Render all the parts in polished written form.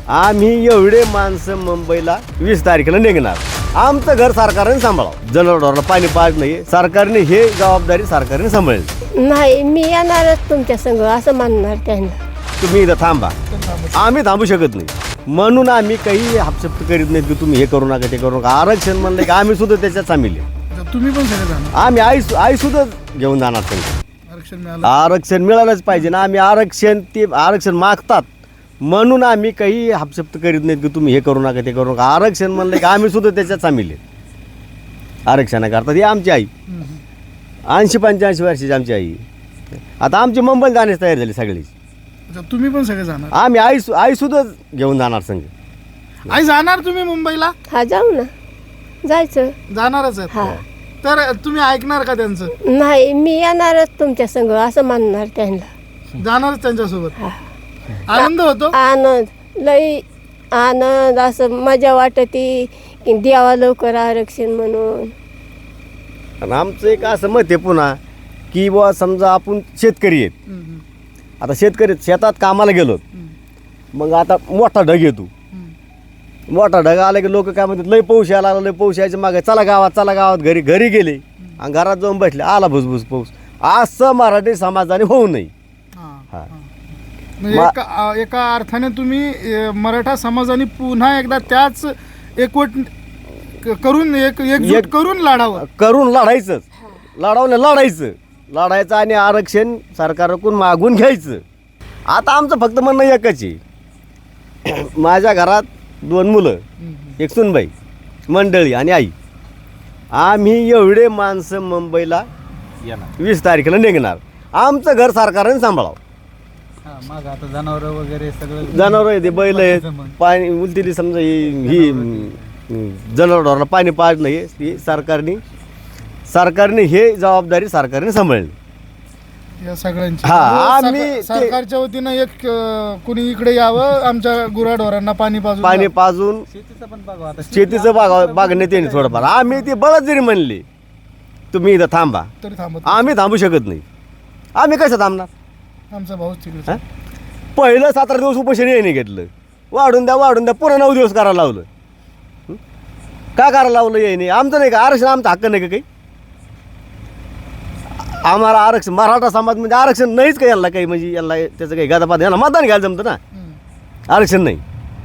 आम्ही एवढे माणसं मुंबईला 20 तारखेला निघणार. आमचं घर सरकारने सांभाळावं. जनावरांना पाणी पाज नाही, सरकारने हे जबाबदारी सरकारने सांभाळली. नाही, मी येणारच तुमच्या संग असं म्हणणार त्यांना. तुम्ही इथं थांबा, आम्ही थांबू शकत नाही. म्हणून आम्ही काही हापशप्त करीत नाहीत की तुम्ही हे करू नका ते करू नका. आरक्षण म्हणलं की आम्ही सुद्धा त्याच्यात सामील आहे. तुम्ही पण सगळे जाणार. आम्ही आई सुद्धा घेऊन जाणार. आरक्षण मिळालं. आरक्षण मिळालंच पाहिजे ना. आम्ही आरक्षण मागतात म्हणून आम्ही काही हापशप्त करीत नाहीत की तुम्ही हे करू नका ते करू नका. आरक्षण म्हणलं की आम्ही सुद्धा त्याच्यात सामील आहे. आरक्षणाकरता ही आमची आई 80-85 वर्षाची आमची आई. आता आमची मुंबईला जाण्यास तयार झाली सगळी. तुम्ही पण सगळे जाणार. आम्ही आई सुद्धा घेऊन जाणार संघ. आई जाणार तुम्ही मुंबईला? हा, जाऊ ना, जायचं. जाणारच हा. आहेत. तर तुम्ही ऐकणार का त्यांचं? नाही, मी येणारच तुमच्या संग असं म्हणणार त्यांना. जाणारच त्यांच्यासोबत. आनंद होतो. आनंद, लई आनंद, असं मजा वाटती की द्यावा लवकर आरक्षण म्हणून. आणि आमचं एक असं मत आहे पुन्हा की बुवा समजा आपण शेतकरी आहेत. आता शेतकरी शेतात कामाला गेलो, मग आता मोठा ढग येतो. मोठा ढग आला की लोक काय म्हणतात, लय पाऊस यायला लागला, लय पाऊस यायच्या मागे चला गावात घरी गेले आणि घरात जाऊन बसले, आला भुसभुस पाऊस. असं मराठी समाजाने होऊ नये. म्हणजे एका अर्थाने तुम्ही मराठा समाजाने पुन्हा एकदा त्याच एकवट करून एकजूट करून लढायचं लढायचं आणि आरक्षण सरकारकडून मागून घ्यायचं. आता आमचं फक्त म्हणणं एकच आहे. माझ्या घरात 2 मुलं, एक सुनबाई, मंडळी आणि आई. आम्ही एवढे माणसं मुंबईला 20 तारखेला निघणार. आमचं घर सरकारने सांभाळावं. मग आता जनावर वगैरे सगळं जनावर आहे, ते बैल आहेत, पाणी उलतीली समजा ही जनावरांना पाणी पाज नाही, ही सरकारने हे जबाबदारी सरकारने सांभाळली. या सगळ्यांची. आम्ही सरकारच्या वतीनं एक कुणी इकडे यावं, आमच्या गुराढोरांना पाणी पाजून शेतीचं पण बघा. आता शेतीचं बागण्यात येणे थोडंफार. आम्ही ती बळच जरी म्हणली तुम्ही इथं थांबा, तरी थांबत. आम्ही थांबू शकत नाही. आम्ही कसं थांबणार? आमचा भाऊच तिकडे. पहिलं 17 दिवस उपोषण याने घेतलं. वाढून द्या पुन्हा 9 दिवस करायला लावलं. का करायला लावलं याने? आमचं नाही का आरक्षण? आमचा हक्क नाही का काही? आम्हाला आरक्षण, मराठा समाज म्हणजे आरक्षण नाहीच का यांना काही? म्हणजे यांना त्याचं काही गादापात, यांना मतदान घ्यायला जमतं ना. आरक्षण नाही.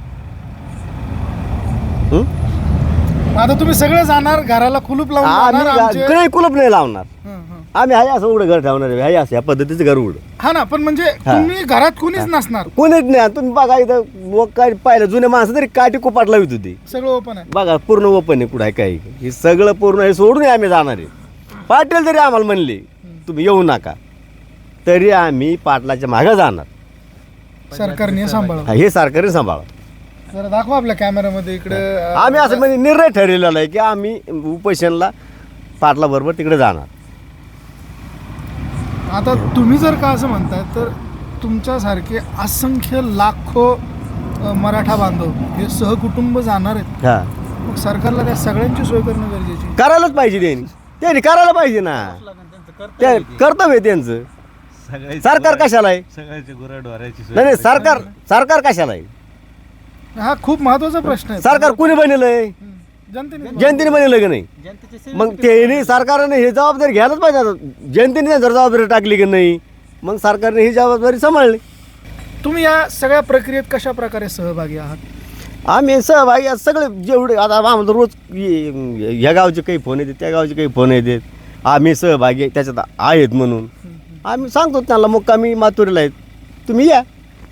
आता तुम्ही सगळे जाणार, घराला कुलूप लावून आम्ही काही कुलूप नाही लावणार. आम्ही आहे असं उघडं घर ठेवणार आहे, असं या पद्धतीचं घर उघडं. हा ना, पण म्हणजे तुम्ही घरात कुणीच नसणार. कोणीच नाही. तुम्ही बघा इथं लोक काय पाहिलं, जुने माणसं तरी काठी कुपाट लावित होती. सगळं ओपन आहे. बघा पूर्ण ओपन आहे. कुठं आहे काय? हे सगळं पूर्ण हे सोडून आम्ही जाणार आहे. पाटील जरी आम्हाला म्हणले तुम्ही येऊ नका, तरी आम्ही पाटलाच्या मागे जाणार. सरकारने सांभाळा. हे सरकारने सांभाळा. जरा दाखवा आपल्या कॅमेऱ्यामध्ये इकडे. आम्ही असं म्हणजे निर्णय ठरलेला आहे की आम्ही उपोषणला पाटला बरोबर तिकडे जाणार. आता तुम्ही जर का असं म्हणताय, तर तुमच्यासारखे असंख्य लाखो मराठा बांधव हे सहकुटुंब जाणार आहेत. मग सरकारला त्या सगळ्यांची सोय करणं गरजेची. करायलाच पाहिजे. त्यांनी करायला पाहिजे ना. ते कर्तव्य आहे त्यांचं. सरकार कशाला आहे? सगळ्याची गुराढोराची नाही, सरकार कशाला आहे? हा खूप महत्वाचा प्रश्न आहे. सरकार कुणी बनवलंय? जनतेने बनवलं की नाही? जनतेची मग ते सरकारने हे जबाबदारी घ्यायलाच पाहिजे. आता जनतेने जर जबाबदारी टाकली की नाही, मग सरकारने ही जबाबदारी सांभाळली. तुम्ही या सगळ्या प्रक्रियेत कशा प्रकारे सहभागी आहात? आम्ही सहभागी सगळे जेवढे. आता आम्हाला रोज ह्या गावचे काही फोन येतात, त्या गावचे काही फोन येतात. आम्ही सहभागी त्याच्यात आहेत म्हणून आम्ही सांगतो त्यांना, मुक्कामी माथुरीला आहेत, तुम्ही या.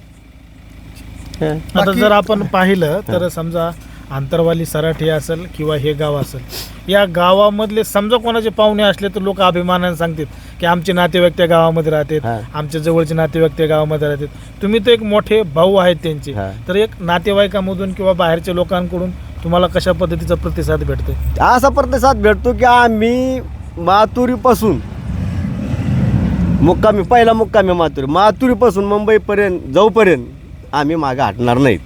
आता जर आपण पाहिलं तर समजा आंतरवाली सराठी असेल किंवा हे गाव असेल, या गावामधले समजा कोणाचे पाहुणे असले तर लोक अभिमानाने सांगतात की आमचे नातेवाईक त्या गावामध्ये राहतात, आमच्या जवळचे नातेवाईक त्या गावामध्ये राहतात. तुम्ही तर एक मोठे भाऊ आहेत त्यांचे, तर एक नातेवाईकामधून किंवा बाहेरच्या लोकांकडून तुम्हाला कशा पद्धतीचा प्रतिसाद भेटतो? असा प्रतिसाद भेटतो की आम्ही माथुरीपासून पहिला मुक्कामी माथुरीपासून मुंबईपर्यंत जाऊपर्यंत आम्ही मागे हटणार नाहीत.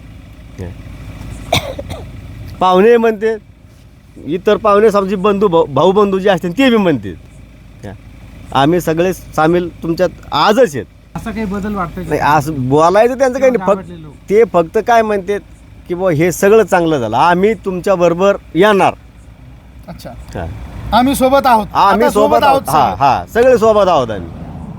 पाहुणे म्हणते, इतर पाहुणे समजी भाऊ बंधू जे असतील ते बी म्हणतात, आम्ही सगळे सामील तुमच्यात आजच आहेत. असा काही बदल वाटतोय नाही का? असं बोलायचं त्यांचं काही नाही, गावातले फक्त लोक. ते फक्त काय म्हणतात की बुवा हे सगळं चांगलं झालं, आम्ही तुमच्या बरोबर येणार. अच्छा, हा. आम्ही सोबत आहोत, आम्ही आता सोबत आहोत. हा सगळे. हा सगळे सोबत आहोत आम्ही.